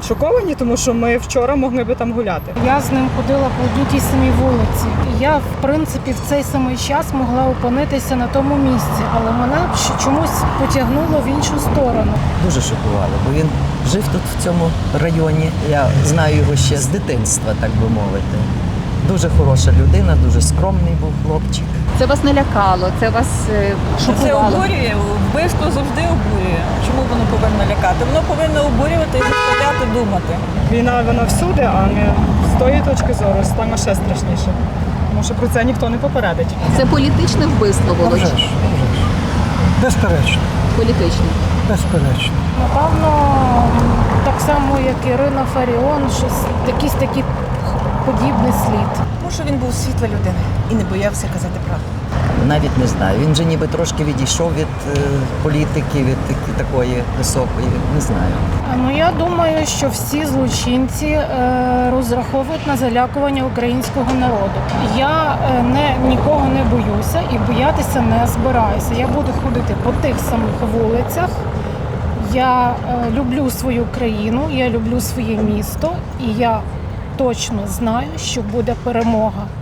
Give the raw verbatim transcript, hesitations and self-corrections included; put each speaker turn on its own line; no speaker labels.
шоковані, тому що ми вчора могли би там гуляти.
Я з ним ходила по одній тій самій вулиці. І я, в принципі, в цей самий час могла опинитися на тому місці, але мене чомусь потягнуло в іншу сторону.
Дуже шокувало, бо він жив тут, в цьому районі. Я знаю його ще з дитинства, так би мовити. Дуже хороша людина, дуже скромний був хлопчик.
Це вас не лякало, це вас е,
Це
шокувало?
обурює, вбивство завжди обурює. Чому воно повинно лякати? Воно повинно обурювати і заставляти думати.
Війна, вона всюди, а не з тої точки зору стане ще страшніше. Тому що про це ніхто не попередить.
Це політичне вбивство,
Вже
Володь?
ж, вже ж. Безперечно,
Політичне.
безперечно.
Напевно, так само, як Ірина Фаріон, щось якийсь такий подібний слід.
Тому що він був світла людина і не боявся казати правду.
Навіть не знаю. Він же ніби трошки відійшов від е, політики, від таки- такої високої, не знаю.
Ну, я думаю, що всі злочинці е, розраховують на залякування українського народу. Я е, не, нікого не боюся і боятися не збираюся. Я буду ходити по тих самих вулицях. Я е, люблю свою країну, я люблю своє місто, і я точно знаю, що буде перемога.